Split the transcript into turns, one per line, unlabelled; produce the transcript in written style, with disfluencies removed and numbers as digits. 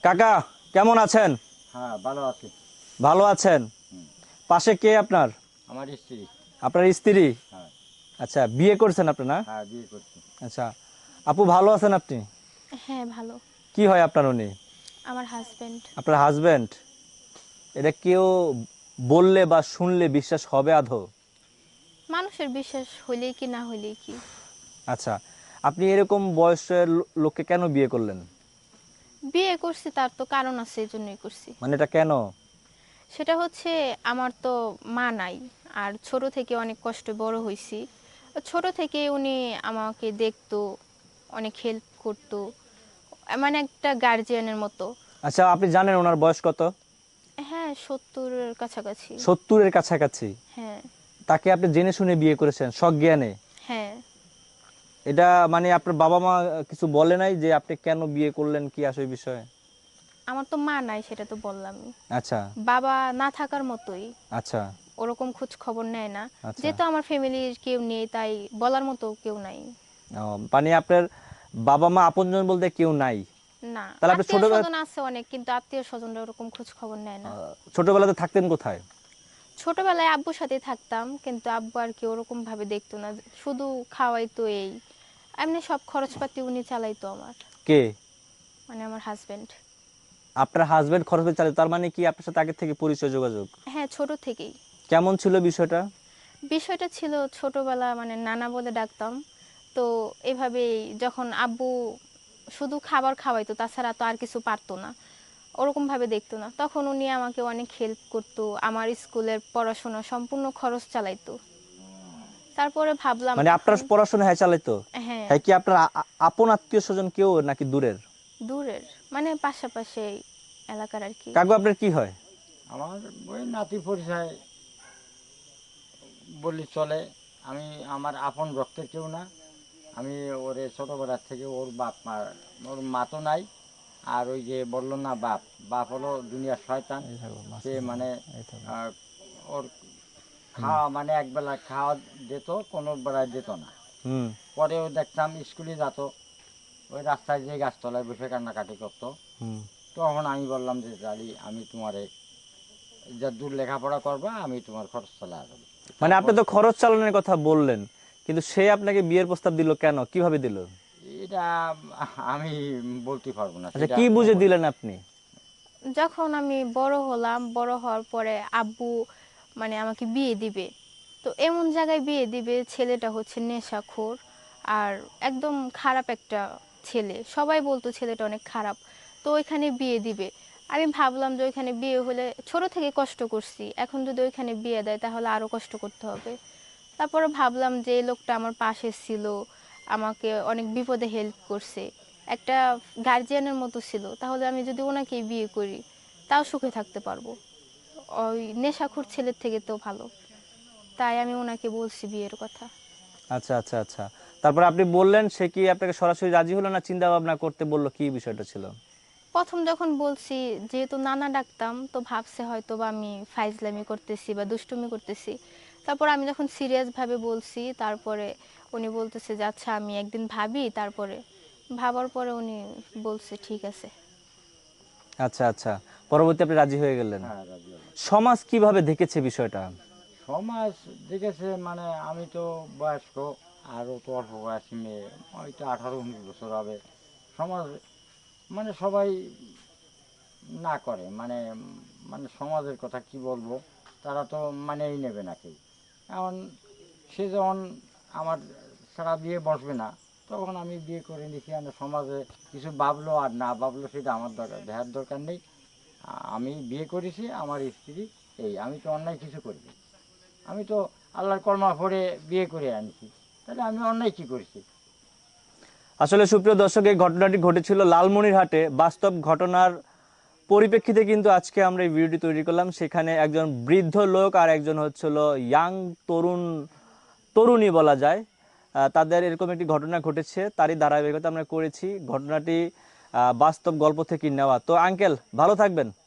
কাকা কেমন আছেন?
হ্যাঁ, ভালো আছি।
ভালো আছেন?
হুম,
পাশে কে আপনার?
আমার স্ত্রী।
আপনার স্ত্রী?
হ্যাঁ,
আচ্ছা, বিয়ে করছেন আপনি না?
হ্যাঁ, বিয়ে করছি।
আচ্ছা, আপু ভালো আছেন আপনি?
হ্যাঁ, ভালো।
কি হয় আপনার উনি?
আমার হাসব্যান্ড।
আপনার হাজবেন্ড? এটা কেউ বললে বা শুনলে বিশ্বাস হবে আদৌ?
মানুষের বিশ্বাস হইলেই কি না হইলেই কি।
আচ্ছা, আপনি এরকম বয়সের লোককে কেন বিয়ে করলেন?
বিয়ে করছি তার তো কারণ আছে, এজন্যই করছি।
মানে এটা কেন?
সেটা হচ্ছে আমার তো মা নাই। আর ছোট থেকে অনেক কষ্টে বড় হইছি। ছোট থেকে উনি আমাকে দেখতো, অনেক হেল্প করতো। মানে একটা গার্জিয়ানের মতো।
আচ্ছা, আপনি জানেন ওনার বয়স কত?
হ্যাঁ, 70-এর কাছাকাছি।
70-এর কাছাকাছি?
হ্যাঁ,
তাকে আপনি জেনে শুনে বিয়ে করেছেন সজ্ঞানে?
হ্যাঁ।
এটা মানে আপনার বাবা মা কিছু বলে নাই যে আপনি কেন বিয়ে করলেন, কি আসে বিষয়ে?
আমার তো মা নাই, সেটা তো বললামই।
আচ্ছা,
বাবা না থাকার মতোই।
আচ্ছা,
ওরকম খোঁজ খবর নেয় না।
আচ্ছা।
যেহেতু আমার ফ্যামিলির কেউ নেই, তাই বলার মতো কেউ নাই।
ও, মানে আপনার বাবা মা আপনজন বলতে কেউ নাই?
না,
তাহলে আপনি
আত্মীয়
ছোটবেলা
স্বজন আছে অনেক, কিন্তু আত্মীয় স্বজনরা ওরকম খোঁজ খবর নেয় না।
ছোটবেলাতে থাকতেন কোথায়?
ছোটবেলায় আব্বুর সাথে থাকতাম, কিন্তু আব্বু আর কি ওরকম ভাবে দেখতো না, শুধু খাওয়াইতো এই। এমনি সব খরচপাতি উনি চালাইতো আমার,
কে?
মানে আমার হাজবেন্ড।
আপনার হাজবেন্ড খরচ করে চালায়, তার মানে কি আপনার সাথে আগে থেকে পরিচয় যোগাযোগ?
হ্যাঁ, ছোট থেকেই।
কেমন ছিল বিষয়টা?
বিষয়টা ছিল ছোটবেলা, মানে নানা বলে ডাকতাম। তো এভাবেই যখন আব্বু শুধু খাবার খাওয়াইতো, তাছাড়া তো আর কিছু পারতো না, ওরকম ভাবে দেখতো না, তখন উনি আমাকে অনেক হেল্প করতো, আমার স্কুলের পড়াশোনা সম্পূর্ণ খরচ চালাইতো। তারপরে ভাবলাম
মানে আপনার
এখন।
পড়াশোনা হ্যাঁ চালাইতো?
হ্যাঁ।
হ্যাঁ, কি আপনার আপন আত্মীয় স্বজন কেউ নাকি দূরের?
দূরের, মানে পাশাপাশি এলাকার আর কি।
কাকু আপনার কি হয়?
আমার ওই নাতি পরিচয় বললে চলে। আমি আমার আপন রক্তের কেউ না। আমি ওরে ছোটোবেলার থেকে ওর বাপ মা, ওর মা তো নাই। আর ওই যে বললো না বাপ, বাপ হলো দুনিয়ার শয়তান।
এই থাকো,
সে
মাঝখানে থাকো,
মানে
এই থাকো।
আহ, ওর
হুম,
খাওয়া মানে একবেলা খাওয়া যেত, কোনো বেলা যেত না।
হুম।
পরেও দেখতাম স্কুলে যেত, ওই রাস্তায় যে গাছতলায় বসে কান্নাকাটি করতো।
হুম।
তখন আমি বললাম যে জালি, আমি তোমারে যা দূর লেখাপড়া করবা, আমি তোমার খরচ চালা দেবো।
মানে আপনি
তারপর
তো খরচ চালানোর কথা বললেন, কিন্তু সে আপনাকে বিয়ের প্রস্তাব দিল কেন, কিভাবে দিল?
এটা আমি বলতে পারবো না,
আচ্ছা,
সেটা
কি
ও
বুঝে
বলে।
দিলেন আপনি?
যখন আমি বড় হলাম, বড় হওয়ার পরে আব্বু মানে আমাকে বিয়ে দিবে। তো এমন জায়গায় বিয়ে দিবে, ছেলেটা হচ্ছে নেশাখোর আর একদম খারাপ একটা ছেলে, সবাই বলতো ছেলেটা অনেক খারাপ। তো ওইখানে বিয়ে দিবে। আমি ভাবলাম যে ওইখানে বিয়ে হলে, ছোট থেকে কষ্ট করছি, এখন যদি ওইখানে বিয়ে দেয় তাহলে আরো কষ্ট করতে হবে। তারপরে ভাবলাম যে এই লোকটা আমার পাশে ছিল, আমাকে অনেক বিপদে হেল্প করছে, একটা গার্জিয়ানের মতো ছিল, তাহলে আমি যদি ওনাকেই বিয়ে করি তাও সুখে থাকতে পারবো, ওই নেশাখোর ছেলের থেকে তো ভালো। তাই আমি ওনাকে বলছি বিয়ের কথা।
আচ্ছা, আচ্ছা, আচ্ছা। তারপর আপনি বললেন, সে কি আপনাকে সরাসরি রাজি হলো না চিন্তা ভাবনা করতে বললো, কি বিষয়টা ছিল?
প্রথম যখন বলছি, যেহেতু নানা ডাকতাম, তো ভাবছে হয়তো বা আমি ফাইজলামি করতেছি বা দুষ্টুমি করতেছি। তারপর আমি যখন সিরিয়াস ভাবে বলছি, তারপরে উনি বলতেছে যে আচ্ছা আমি একদিন ভাবি, তারপরে ভাবার পরে উনি বলছে ঠিক আছে।
আচ্ছা, আচ্ছা। পরবর্তী আপনি রাজি হয়ে গেলেন।
হ্যাঁ, রাজি হলাম।
সমাজ কিভাবে দেখেছে বিষয়টা?
সমাজ দেখেছে মানে আমি তো বয়স্ক, আরও তো অল্প বয়সী মেয়ে, হয়তো 18-19 বছর হবে। সমাজ মানে সবাই না করে মানে, মানে সমাজের কথা কি বলবো, তারা তো মানেই নেবে না কেউ। এখন সে যখন আমার ছাড়া বিয়ে বসবে না, তখন আমি বিয়ে করে নিছি। আমি সমাজে কিছু ভাবলো আর না ভাবলো সেটা আমার দরকার দেখার দরকার নেই। আমি বিয়ে করেছি, আমার স্ত্রী, এই আমি তো অন্যায় কিছু করিনি। আমি তো আল্লাহর কর্মা পড়ে বিয়ে করে আনছি, তাহলে আমি অন্যায় কী করেছি?
আসলে সুপ্রিয় দর্শক, এই ঘটনাটি ঘটেছিল লালমনিরহাটে, বাস্তব ঘটনার পরিপ্রেক্ষিতে কিন্তু আজকে আমরা এই ভিডিওটি তৈরি করলাম। সেখানে একজন বৃদ্ধ লোক আর একজন হচ্ছিল ইয়াং তরুণ তরুণী বলা যায়, তাদের এরকম একটি ঘটনা ঘটেছে, তারই ধারাবাহিকতা আমরা করেছি। ঘটনাটি বাস্তব গল্প থেকে নেওয়া। তো আঙ্কেল ভালো থাকবেন।